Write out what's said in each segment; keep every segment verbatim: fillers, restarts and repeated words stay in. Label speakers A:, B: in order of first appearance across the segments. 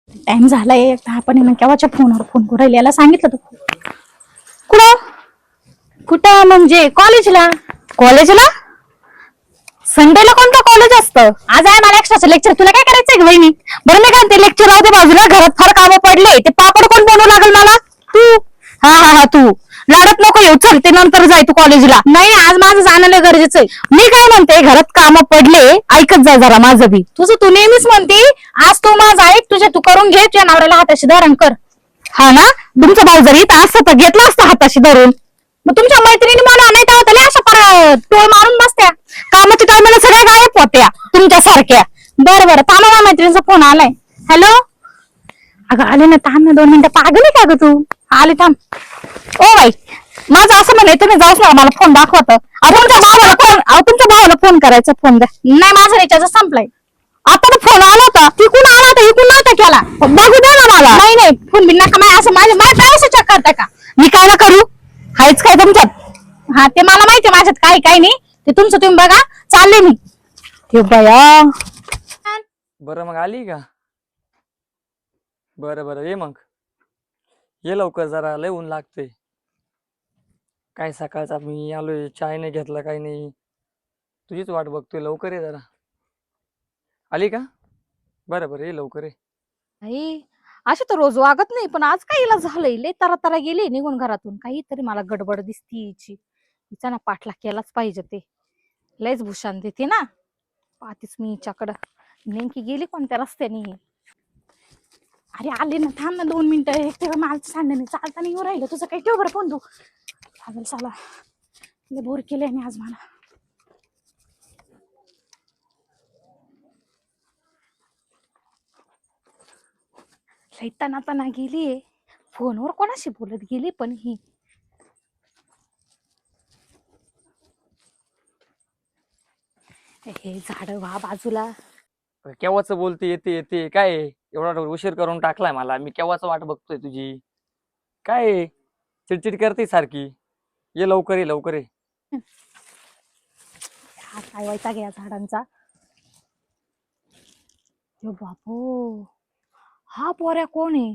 A: Time झालाय. आपण ना केव्हाच्या फोनवर फोन करू राहिली, याला सांगितलं तू कुठं कुठं म्हणजे कॉलेजला. कॉलेजला संडेला कोणतं कॉलेज असतं? आज आहे मला एक्स्ट्राचं लेक्चर. तुला काय करायचंय वहिनी? बरं मी काय ते लेक्चर राहू दे बाजूला. घरात फार कामं पडले. ते पापड कोण बनवू लागल मला? तू. हा हा हा तू लाडत नको येऊ. चल ते नंतर जाय तू कॉलेजला. नाही आज माझं जाणं गरजेचं आहे. मी काय म्हणते घरात कामं पडले, ऐकत जा जरा माझं बी. तुझं तू नेहमीच म्हणते. आज तू माझं ऐक, तुझ्या तू करून घे. तुझ्या नवऱ्याला हाताशी धरण कर. हा ना, तुमचा भाऊ जरी इथं असतं तर घेतला असता हाताशी धरून. मग तुमच्या मैत्रिणी मला नाही तेव्हा त्याला अशा पर टोळ मारून बसत्या. कामाच्या टायमाला सगळ्या गायब होत्या तुमच्या सारख्या. बरं बरं थांबा, माझ्या मैत्रिणीचा फोन आलाय. हॅलो. अगं आले ना, थांब ना दोन मिनिटं. पागल आहे का ग तू? आले थांब. ओ बाई माझं असं म्हणे, तुम्ही जाऊच ना, मला फोन दाखवत. तुमच्या भावाला फोन अहो तुमच्या भावाला फोन करायचा. फोन द्या. नाही माझा रिचार्ज संपलाय. आता फोन आला होता. तिकून आला होता, इकून नव्हता केला. बघू द्या ना मला. नाही नाही फोन बिन नका. माय असं माझ्या माझ्या पैसे चेक करताय का? मी काय ना करू? हायच काय तुमच्यात? हा ते मला माहिती माझ्यात काही काही नाही. ते तुमचं तुम्ही बघा. चालले मी. हे बया.
B: बरं मग आली का? बरं बरं ये मग. ये लवकर, जरा लय ऊन लागते. काय सकाळचा मी आलोय, चाय नाही घेतला काही नाही. तुझीच वाट बघतोय, लवकर ये जरा. आली का? बरं बरं ये लवकर ये.
C: आई अशी तर रोज वागत नाही, पण आज काय हिला झालंय? लय तरा तरा गेली निघून घरातून. काहीतरी मला गडबड दिसती हिची. हिचा ना पाठला केलाच पाहिजे. ते लयच भूषण देते ना. पाहतेच मी हिच्याकडं. नेमकी गेली कोणत्या रस्त्याने ही?
A: अरे आले ना, थांब ना दोन मिनिटं. एक तेव्हा मला सांग नाही, चालता नाही येऊ राहिलं. तुझं काही ठेव बरं फोन तू. चालेल चला. लय बोर केलंय मी आज मला. लय तना तना गेलीये. फोनवर कोणाशी बोलत गेली पण ही? हे झाड व्हा बाजूला.
B: केव्हाच बोलते येते येते काय आहे? एवढा उशीर करून टाकलाय मला. मी केव्हाच वाट बघतोय तुझी. काय आहे? चिडचिड करते सारखी. ये लवकर ये लवकर ये.
A: हा काय व्हायचा घ्या झाडांचा. यो बापू, हा पोऱ्या कोण आहे?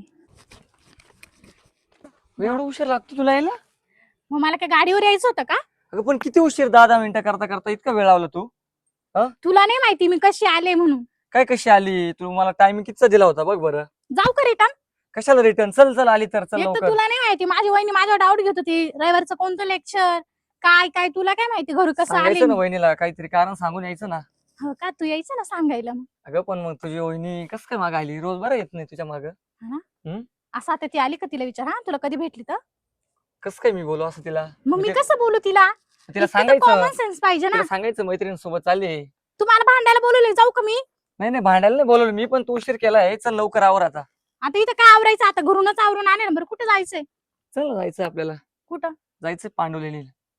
B: एवढा उशीर लागतो तुला यायला?
A: मग मला काय गाडीवर यायचं होतं का?
B: अगं पण किती उशीर, दहा दहा मिनिटं करता करता इतका वेळ लावला तू?
A: तुला नाही माहिती मी कशी आले म्हणून?
B: काय कशी आली तू? मला टायमिंग कितीचा दिला होता बघ बरं.
A: जाऊ का रिटर्न?
B: कशाला रिटर्न? चल चल आली तर चल
A: एक तर
B: लवकर.
A: तुला नाही माहिती, माझी वहिनी माझ्यावर डाऊट घेत होती. रविवारचं कोणतं लेक्चर काय काय, तुला काय माहिती घरी कसं आले
B: सांगायचं ना
A: मी?
B: वहिनीला, काहीतरी कारण सांगून यायचं ना.
A: हो का, तू यायचं ना सांगायला मग.
B: अगं पण मग तुझी वहिनी कस काय माग आली? रोज बरं येत नाही तुझ्या माग.
A: असं आता ती आली का तिला विचार. हा तुला कधी भेटली तर
B: कस काय मी बोलू असं तिला?
A: मग मी
B: म्हणजे
A: कसं बोलू तिला?
B: तिला सांगायचं.
A: कॉमन सेन्स पाहिजे ना.
B: तिला सांगायचं मैत्रिणीसोबत चालले.
A: तुम्हाला भांडायला बोलवले, जाऊ का मी?
B: नाही नाही भांडायला नाही बोलवलं मी, पण तू उशीर केलाय. चल लवकर आवर आता.
A: आता इथं काय आवरायचं? आता घरूनच आवरून आले ना. बरं कुठे जायचंय?
B: चल जायचं आपल्याला.
A: कुठं
B: जायचं पांडुलेली.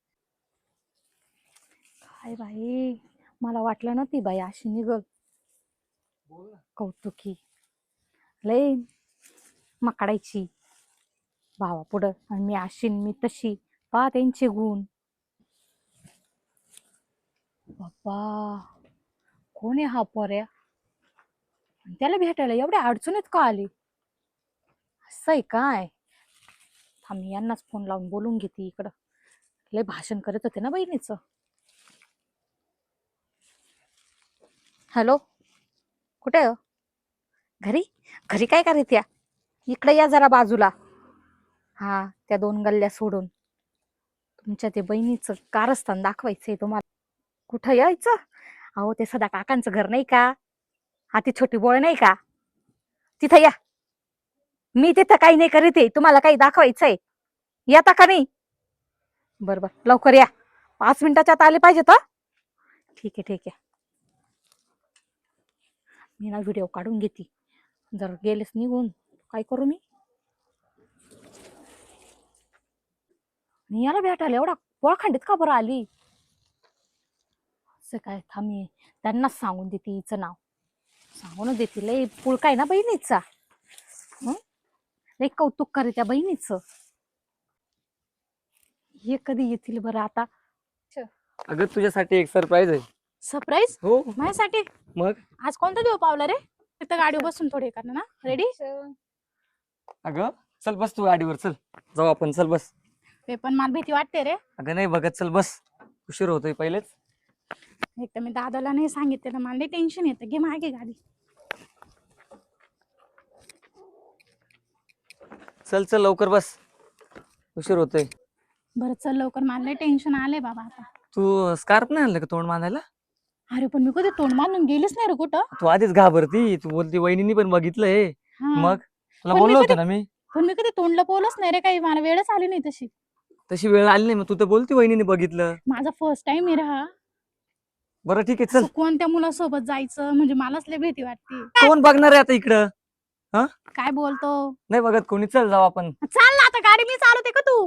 A: काय बाई, मला वाटलं ना ती बाई अशी निघल. कौतुकी लय मकाडायची भावा पुढं. आणि मी अशी मी तशी. पा त्यांचे गुण. बाप्पा कोण आहे हा पोऱ्या? त्याला भेटायला एवढ्या अडचणीत का आली? असं आहे काय? थांब यांनाच फोन लावून बोलून घेते. इकडं लय भाषण करत होते ना बहिणीचं. हॅलो, कुठे आहे? घरी? घरी काय करत या? इकडे या जरा बाजूला. हा त्या दोन गल्ल्या सोडून. तुमच्या ते बहिणीचं कारस्थान दाखवायचंय तुम्हाला. कुठं यायचं? अहो ते सदा काकांचं घर नाही का? हा ती छोटी बोळ नाही का? तिथं या. मी तिथं काही नाही करीत आहे. तुम्हाला काही दाखवायचंय. येता का नाही? बरं बरं लवकर या. पाच मिनिटाच्या आत आले पाहिजे तर. ठीक आहे ठीक आहे. मी ना व्हिडिओ काढून घेते. जर गेलेच निघून काय करू मी? मी याला भेटायला एवढा पोळखंडीत का बरं आली? असं काय? थांबी त्यांनाच सांगून देते हिचं नाव. सांगूनच देते. लय पुळका आहे ना बहिणीचा. हं लय कौतुक करे त्या बहिणीचं. हे कधी येतील बरं आता?
B: अगं तुझ्यासाठी एक सरप्राईज आहे.
A: सरप्राईज?
B: हो
A: माझ्यासाठी?
B: मग
A: आज कोणता देव पावला रे? फक्त गाडीवर बसून थोडे करणार ना. रेडी?
B: अगं चल बस तू गाडीवर, चल जाऊ आपण, चल बस.
A: ते पण मला भीती वाटते रे.
B: अगं नाही बघत, चल बस, उशीर होतोय पहिलेच.
A: एक तर मी दादाला नाही सांगितलं, मला टेन्शन येतं. घे मागे गाडी.
B: चल चल लवकर बस, उशीर होतोय.
A: बरं चल लवकर, मला टेन्शन आलंय बाबा आता.
B: तू स्कार्फ नाही आणलं का तोंड बांधायला?
A: अरे पण मी कधी तोंड बांधून गेलीच नाही रे कुठं.
B: तू आधीच घाबरती, तू बोलती वहिनीनी पण बघितलंय.
A: हा.
B: मग तुला
A: पण मी
B: बोललो होतं
A: कधी-
B: ना मी.
A: पण मी कधी तोंड लपवलंच नाही रे, काही मला वेळच आली नाही तशी.
B: तशी वेळ आली नाही, मग तू तर बोलती वहिनीने बघितलं.
A: माझा फर्स्ट टाइम आहे राहा.
B: बरं ठीक आहे चल.
A: कोणत्या मुलासोबत जायचं म्हणजे मलाच लय भीती वाटते.
B: कोण बघणार आहे आता इकडं?
A: काय बोलतो?
B: नाही बघत कोणी, चल जाऊ आपण.
A: चाल ना आता, गाडी मी चालवते का तू?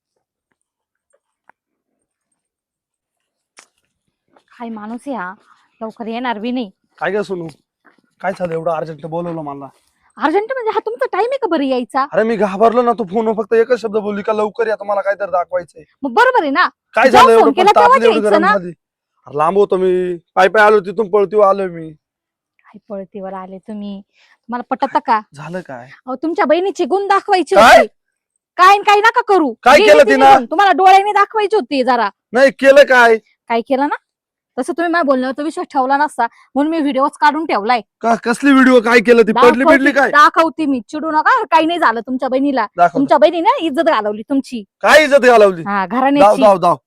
C: काय माणूस आहे हा, लवकर येणार बी नाही.
D: काय ग सोनू, काय झालं एवढं अर्जंट बोलवलं मला?
C: अर्जंट म्हणजे हा तुमचा टाइम आहे का बरं यायचा?
D: अरे मी घाबरलो ना, तू फोनवर फक्त एकच शब्द बोलली का लवकर या, मला काहीतरी दाखवायचंय.
C: मग बरोबर आहे ना.
D: काय
C: जेव्हा
D: झालं
C: फोन
D: एवढं
C: केला
D: पण
C: तेव्हाच
D: तापली एवढी
C: यायचं
D: गरम
C: ना.
D: झाली? अरे लांब होतो मी, पाय पाय आलो तिथून पळतीवर आलोय मी.
C: काय पळतीवर आले तुम्ही, तुम्हाला पटत का?
D: झालं काय?
C: अहो तुमच्या बहिणीचे गुण दाखवायचे
D: काय?
C: होते. काय न काय नका करू.
D: काय
C: गेली
D: केलं
C: ती
D: तिनं?
C: निघून. तुम्हाला डोळ्याने दाखवायचे होते जरा.
D: नाही केलं काय?
C: काय केलं ना, तसं तुम्ही माझ्या बोलण्यावर विश्वास ठेवला नसता, म्हणून मी व्हिडिओच काढून ठेवलाय.
D: का कसली व्हिडिओ, काय केलं? ती पडली बिडली काय?
C: दाखवते मी, चिडू नका. काही नाही झालं तुमच्या बहिणीला.
D: दाखव.
C: तुमच्या बहिणीने इज्जत घालवली तुमची.
D: काय इज्जत घालवली?
C: हा
D: दाव
C: घराण्याची.
D: दाव दाव.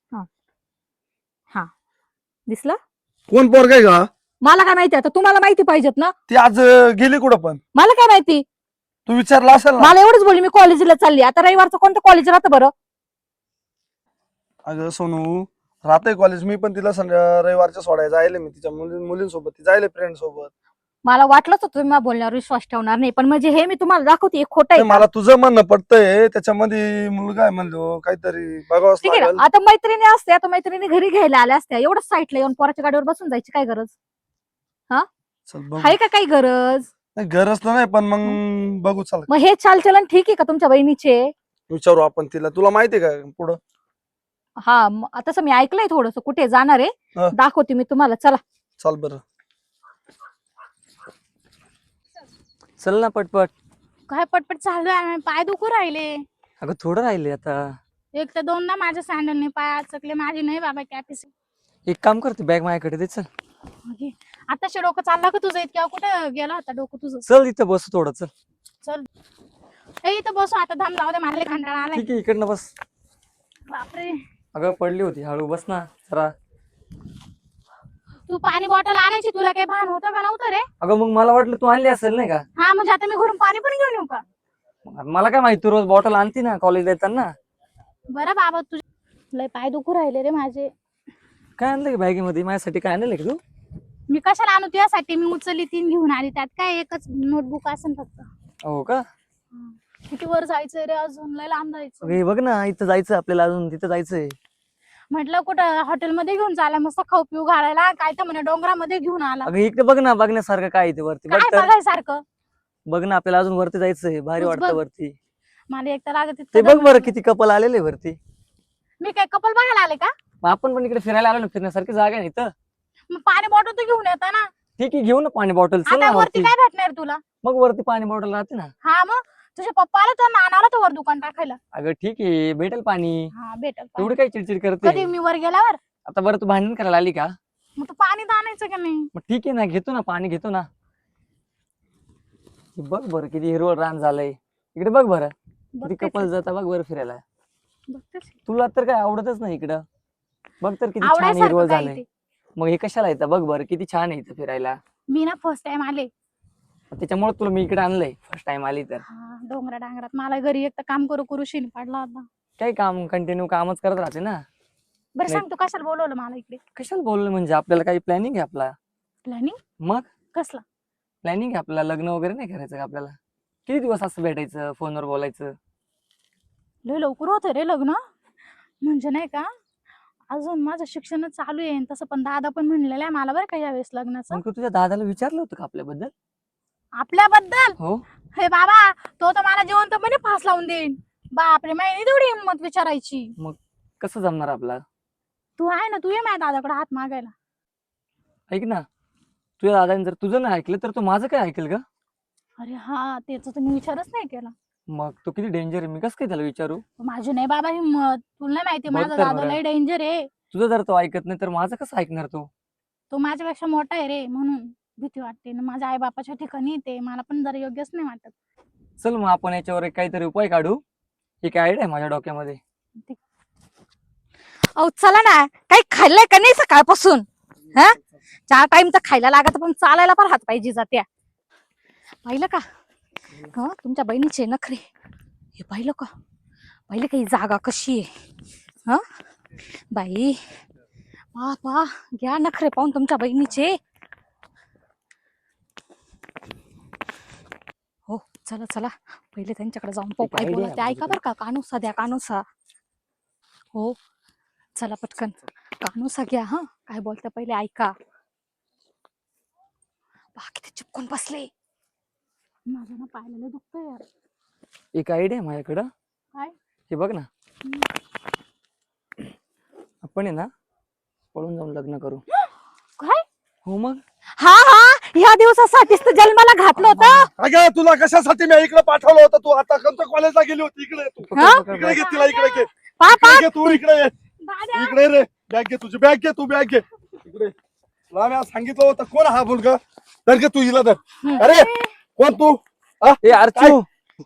C: दिसलं?
D: कोण पोर काय का?
C: मला काय माहिती, आता तुम्हाला माहिती पाहिजेत ना.
D: ती आज अं, गेली कुठं पण?
C: मला काय माहिती,
D: तू विचारला असेल ना.
C: मला एवढंच बोलली मी कॉलेजला चालली. आता रविवारचं कोणतं कॉलेज राहतं बरं?
D: अगं सोनू, राहतंय कॉलेज, मी पण तिला संध्या रविवारच्या सोडायला जायले, मी तिच्या मुली मुलींसोबत ती जायले फ्रेंड सोबत.
C: मला वाटलंच होतं तुम्ही माझ्या बोलण्यावर विश्वास ठेवणार नाही, पण म्हणजे हे मी तुम्हाला दाखवते हे खोटं
D: ते
C: आहे का?
D: मला तुझं म्हणणं पडतंय, त्याच्यामध्ये मुलगा आहे म्हणलो, काहीतरी बघावंच
C: ठीक आहे
D: लागेल.
C: ना, आता मैत्रिणी असत्या, आता मैत्रिणी घरी घ्यायला आल्या असत्या, एवढंच साईटला येऊन पोराच्या गाडीवर बसून जायची काय गरज
D: चल बघू.
C: आहे का? काही गरज?
D: नाही, गरज तर नाही, पण मग बघू, चल
C: मग हे चालचलन ठीक आहे का तुमच्या बहिणीचे?
D: विचारू आपण तिला. तुला माहितीये का पुढं?
C: हा म- तसं मी ऐकलंय थोडस, कुठे जाणार
D: हा.
C: आहे दाखवते मी तुम्हाला. चला
D: चाल बरं.
B: चल ना पटपट.
A: काय पटपट चालू आहे, पाय दुखू राहिले.
B: अगं थोडं राहिले आता.
A: एक तर दोनदा माझ्या सँडलने पाय अचकले. माझी नाही बाबा कॅपॅसिटी.
B: एक काम करते, बॅग माझ्याकडे दे, चल.
A: आताशी डोकं चालला का तुझं? इतक्या कुठं गेला होता डोकं तुझं?
B: चल इथं बस थोडं, चल.
A: चल ए इथं बसू आता, धाम जाऊ दे, मला लय कंटाळा आलाय.
B: ठीक आहे, इकडनं बस.
A: बापरे,
B: अगं पडली होती, हळू बस ना जरा.
A: तू पाणी बॉटल आणायची, तुला काही भान होतं का नव्हतं रे?
B: अगं मग मला वाटलं तू आणली असेल नाही का.
A: हा म्हणजे आता मी घरून पाणी पण घेऊन येऊ का?
B: मग मला काय माहिती, तू रोज बॉटल आणती ना कॉलेजला येताना.
A: बरं बाबा, तुझे लय पाय दुखू राहिले रे माझे.
B: काय आणलं की बॅगेमध्ये माझ्यासाठी? काय आणलं की तू?
A: मी कशाला आणू तुझ्यासाठी? मी उचलली तीन घेऊन आली, त्यात काय एकच नोटबुक असेल फक्त.
B: हो का?
A: किती वर जायचंय रे अजून, लय लांब जायचं.
B: अगं हे बघ ना, इथं जायचं आपल्याला, अजून तिथं जायचंय.
A: म्हटलं कुठं हॉटेलमध्ये घेऊन चाला, मस्त खाऊ पिऊ घालायला. काय तर म्हणे डोंगरामध्ये घेऊन आला.
B: अगं इकडे बघ ना, बघण्यासारखं काय इथे वरती बघ
A: काय
B: तर.
A: बघायसारखं?
B: बघ ना, आपल्याला अजून वरती जायचंय, भारी
A: तूच
B: वाटतं
A: बघ.
B: वरती.
A: मला एक तर लागत
B: ते
A: इतकं
B: बघ
A: दम
B: बरं,
A: लागलं.
B: किती कपल आलेले वरती.
A: मी काय कपल बघायला आले का?
B: मग आपण पण इकडे फिरायला आलो ना, फिरण्यासारखी जागा आहे ना इथं.
A: मग पाणी बॉटल तू घेऊन येता ना.
B: ठीक आहे, घेऊ ना पाणी बॉटल, चल ना
A: आता वरती
B: वरती.
A: काय भेटणार तुला?
B: मग वरती पाणी बॉटल राहते ना.
A: हा मग तुझ्या पप्पाला तर नानाला तर वर दुकान टाकायला.
B: अगं ठीक आहे, भेटेल पाणी.
A: हा भेटल पाणी.
B: एवढी काय चिडचिड
A: कधी
B: करते?
A: मी वर गेल्यावर
B: आता बरं तू भांडण करायला आली का?
A: मग तू पाणी तर आणायचं का नाही?
B: मग ठीक आहे ना, घेतो ना पाणी, घेतो ना. हे बघ बरं किती हिरवळ रान झालंय इकडे. बघ बरं किती
A: बघतेच
B: कपल जाता, बघ बरं फिरायला.
A: आहे, बघतेच आहे.
B: तुला तर काय आवडतच नाही इकडं. बघ तर किती छान
A: आवडायसारखं
B: हिरवळ
A: काय
B: झालंय.
A: इथे?
B: मग हे कशाला येतं? बघ बरं किती छान आहे इथं फिरायला.
A: मी ना फर्स्ट टाइम आले.
B: त्याच्यामुळे तुला मी इकडे आणलंय फर्स्ट टाइम आली तर.
A: हा डोंगरा डांगरात मला घरी एक तर काम करू करू शिन पडला होता.
B: काय काम, कंटिन्यू कामच करत राहते ना.
A: बरं
B: नाही.
A: सांग, तू कशाला बोलवलं मला इकडे?
B: कशाला बोललं म्हणजे, आपल्याला काही प्लॅनिंग आहे आपला.
A: प्लॅनिंग?
B: मग
A: कसला?
B: प्लॅनिंग आहे आपला, लग्न वगैरे नाही करायचं का आपल्याला? किती दिवस असं भेटायचं, फोनवर बोलायचं.
A: लय लवकर होतं रे लग्न. म्हणजे नाही का, अजून माझं शिक्षण चालू आहे. तसं पण दादा पण म्हणलेलं आहे मला बरं का यावेळेस लग्नाचं.
B: मग तू तुझ्या दादाला विचारलं होतं का आपल्याबद्दल?
A: आपल्याबद्दल?
B: हो.
A: हे बाबा, तो तर मला जिवंतपणे फास लावून देईन. बापरे, माहिती तेवढी हिंमत विचारायची.
B: कसं जमणार आपला?
A: तू आहे ना, तू ये माझ्या दादाकडे हात मागायला.
B: ऐक ना, तुझ्या दादाने जर तुझं नाही ऐकलं तर तो माझं काय ऐकेल का?
A: अरे हा त्याचा तर मी विचारच नाही केला.
B: मग तो किती डेंजर आहे, मी कसं काय त्याला विचारू?
A: माझी नाही बाबा हिंमत, तुला नाही माहिती
B: बघ
A: माझा
B: तर
A: दादा
B: बरं.
A: लय डेंजर आहे.
B: तुझं जर तो ऐकत नाही तर माझं कसं ऐकणार तो?
A: तो माझ्यापेक्षा मोठा आहे रे, म्हणून भीती वाटते ना. माझ्या आई बापाच्या ठिकाणी ते मला पण जरा योग्यच नाही वाटत.
B: चल मग आपण याच्यावर एक काहीतरी उपाय काढू. एक आयडिया आहे माझ्या डोक्यामध्ये.
C: अहो चला ना, काही खाल्लंय का नाही सकाळपासून? हा चार टाइम तर खायला लागत, पण चालायला पण हात पाहिजे जात्या. पाहिलं का हा तुमच्या बहिणीचे नखरे? हे पाहिलं का? पाहिलं का ही जागा कशी आहे? हा बाई पा पा घ्या नखरे पाहून तुमच्या बहिणीचे. हो चला चला, पहिले त्यांच्याकडे जाऊन पाहू काय
B: idea
C: बोला
B: आहे
C: ते. ऐका
B: आपल्याकडे.
C: बरं का, कानूसा द्या कानूसा. हो चला पटकन कानूसा घ्या. हा काय बोलता पहिले ऐका. बाकी ते चिपकून बसले.
A: माझं ना पाहिलेलं दुखतंय यार.
B: एक आयडिया आहे माझ्याकडं.
A: काय?
B: हे बघ ना,
A: हम्म.
B: आपण आहे ना पळून जाऊन लग्न करू.
A: काय?
B: हो मग
C: हा हा ह्या दिवसासाठीच तर जन्माला घातलं होतं.
D: अगं तुला कशासाठी मी इकडे पाठवलं होतं? तू आता कोणत्या कॉलेजला गेली होती? इकडे ये तू.
C: हा?
D: इकडे घे तिला, इकडे घे.
C: पापा
D: इकडे घे तू, इकडे ये.
A: दादा
D: इकडे रे, बॅग घे तुझी, बॅग घे तू, बॅग घे इकडे. तुला मी आज सांगितलं होतं कोण हा मुलगा? तर घे तू हिला तर. अरे कोण तू? हा?
B: ए अर्चू,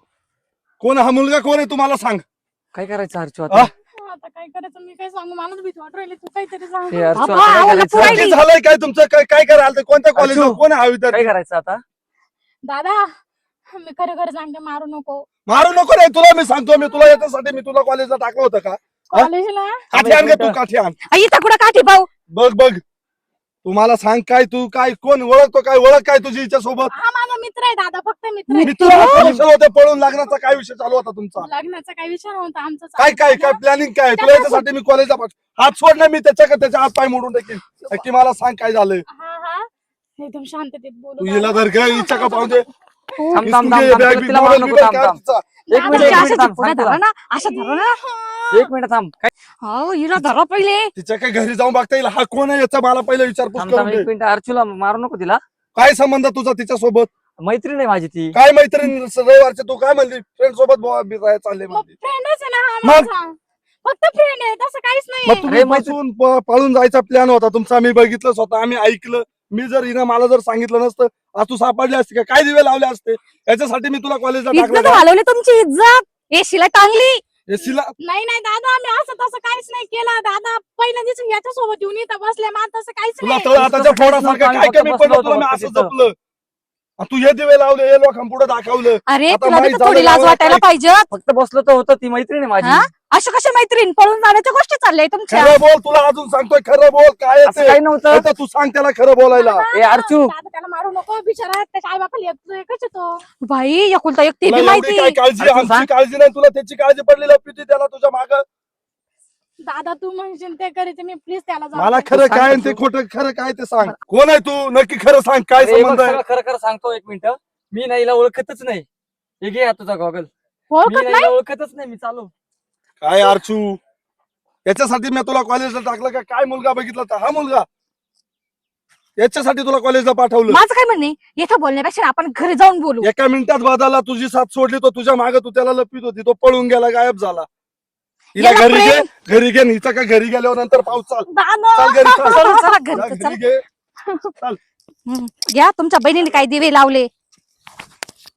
D: कोण हा मुलगा? कोण आहे तुम्हाला सांग.
B: काय करायचं अर्चू
D: हा?
B: आता?
A: आता काय करायचं मी काय सांगू, मलाच भीती वाटू राहिली. तू काहीतरी सांग.
B: हे अर्चू,
C: बाबा,
B: आता काय
C: आवाला
B: करायचं?
C: पुरायली.
D: नक्की झालंय काय तुमचं? काय काय करायला? कोणत्या कॉलेजला?
B: अर्चू.
D: कोण आहे हा विद्यार्थी?
B: काय करायचं आता?
A: दादा मी खरं खरं सांगते, मारू नको.
D: मारू नको रे, तुला मी सांगतो. मी तुला याच्यासाठी मी तुला कॉलेजला टाकलं होतं का?
A: कॉलेजला
D: काठी आण ग तू, काठी आण.
C: आई कुठं काठी भाऊ?
D: बघ बघ, तुम्हाला सांग काय तू काय कोण ओळखतो? काय ओळख काय तुझी हिच्या सोबत?
A: हा माझा मित्र आहे दादा, फक्त मित्र
D: मी
A: आहे.
D: तुला कॉलेजला होते पळून. लग्नाचा काय विषय चालू होता तुमचा?
A: लग्नाचा काही विषय नव्हता आमचा.
D: काय काय काय प्लॅनिंग काय? तुला याच्यासाठी मी कॉलेजला पाठ- हात सोड ना, मी त्याच्या त्याच्या हात पाय मोडून टाकेन. नक्की मला सांग काय झालंय?
A: हा हा एकदम शांततेत
D: तू
A: बोलू
D: हिला
A: दादा.
D: धर ग, इच्छा का पाहून दे.
B: थांब थांब
D: इसकून
B: थांब
D: घे,
B: थांब,
D: बॅग
B: तिला-
D: बिग
B: तिला मारू
D: मोबाईल
B: नको,
D: बिबाईल
B: थांब
D: काय
B: थांब.
D: तिचा?
B: एक मिनिट
C: अशा
B: एक मिनिट
C: अशा
B: थांब,
C: पुढे
B: सांग
C: धरा
B: तुला.
C: ना, अशा धरा ना.
B: एक मिनिट थांब. काय
C: हो हिला धरा पहिले.
D: तिच्या काय घरी जाऊन बघता येईल? हा कोण आहे याचा मला पहिले विचारपूस
B: थांब थांब,
D: करून
B: एक
D: दे.
B: मिनिट अर्चूला मारू नको तिला.
D: काय संबंध तुझा तिच्या सोबत?
B: मैत्रीण आहे माझी ती.
D: काय मैत्रीण? रविवारचे तू काय म्हणली फ्रेंड सोबत बुवा बिराय चालले
A: मग
D: म्हणली.
A: फ्रेंडच आहे ना हा
D: मग?
A: माझा. फक्त फ्रेंड आहे, तसं काहीच
D: मग
A: नाही.
D: तुम्ही
B: अरे मैत्री-
D: बसून प- पळून जायचा प्लॅन होता तुमचा. आम्ही बघितलं स्वतः, आम्ही ऐकलं. मी जर हिनं मला जर सांगितलं नसतं, आज तू सापडली असती का? काय दिवे लावले असते? याच्यासाठी मी तुला कॉलेजला टाकलं
C: इज्जत
D: का?
C: घालवली तुमची इज्जत. येशीला टांगली.
D: एसीला
A: नाही नाही दादा, मी असं तसं काहीच नाही केलं. दादा पहिल्या दिवशी याच्या सोबत येऊन इथं बसले, मला तसं काहीच
D: तुला
A: नाही.
D: तळ आताच्या
B: तसं
D: फोडासारखं
B: काहीच
D: काय
B: नव्हतं,
D: कमी
B: आम्ही
D: पडलं
B: फक्त
D: तुला? मी
B: बसलो
D: असं
B: होतो
D: जपलं. आणि तू हे दिवे लावले, हे लोकांपुढे दाखवलं.
C: अरे
D: आता
C: तुला बी
D: माहित
C: तर थोडी
D: झालं
C: लाज
D: गावाला
C: वाटायला
D: काय-
C: पाहिजे.
B: फक्त बसलो तर होतं, ती मैत्रीण आहे माझी.
C: हा? अशा कशा मैत्रीण पळून जाण्याच्या गोष्टी चालल्या तुमच्या?
D: खरं बोल, तुला अजून सांगतोय खरं बोल. काय आहे
B: असं
D: ते?
B: काही नव्हतं.
D: नाही तर तू सांग त्याला खरं बोलायला.
B: ए अर्चू,
A: दादा त्याला मारू नको, बिचारा त्याच्या आई बापाला येतोय कसे तो.
C: बाई एकुलता एक ते
D: तुला
C: बी
D: एवढी
C: माहिती.
D: काय काळजी?
B: अर्चू,
D: आमची
B: सांग.
D: काळजी नाही, तुला त्याची काळजी पडली लपी त्याला तुझ्या माग.
A: दादा तू म्हणशील ते करायचे, मी प्लीज त्याला जाऊ
D: मला
A: दे.
D: खरं
B: सांग
D: काय आणि
B: तू.
D: ते खोटं खरं काय ते सांग. कोण आहे तू? नक्की खरं सांग. काय
B: अरे बघ,
D: संबंध आहे?
B: सगळं खरं खरं सांगतो. एक मिनिट, मी नाही हिला ओळखतच नाही. हे घे हा तुझा गॉगल. मी
A: ओळखत
B: नाही
A: नाही.
B: हिला ओळखतच नाही. मी चालू.
D: काय अर्चू, याच्यासाठी मी तुला कॉलेजला टाकलं का? काय मुलगा बघितला तर हा मुलगा? याच्यासाठी तुला कॉलेजला पाठवलं?
C: माझं काय म्हणणे, इथं बोलण्यापेक्षा आपण घरी जाऊन बोलू.
D: एका मिनिटात बदलला, तुझी साथ सोडली, तो तुझ्या मागे तू त्याला लपित होती, तो पळून गेला, गायब झाला. हिला
C: याला
D: घरी घे,
C: प्रेम-
D: घरी घे. आणि हिचा का घरी गेल्यावर नंतर पाऊस चाल.
A: दादा
D: चाल घरी चाल.
C: चला, चला,
D: जा
C: घरी
D: घरी
C: चला.
D: घे.
C: हम्म. घ्या तुमच्या बहिणीने काय दिवे लावले.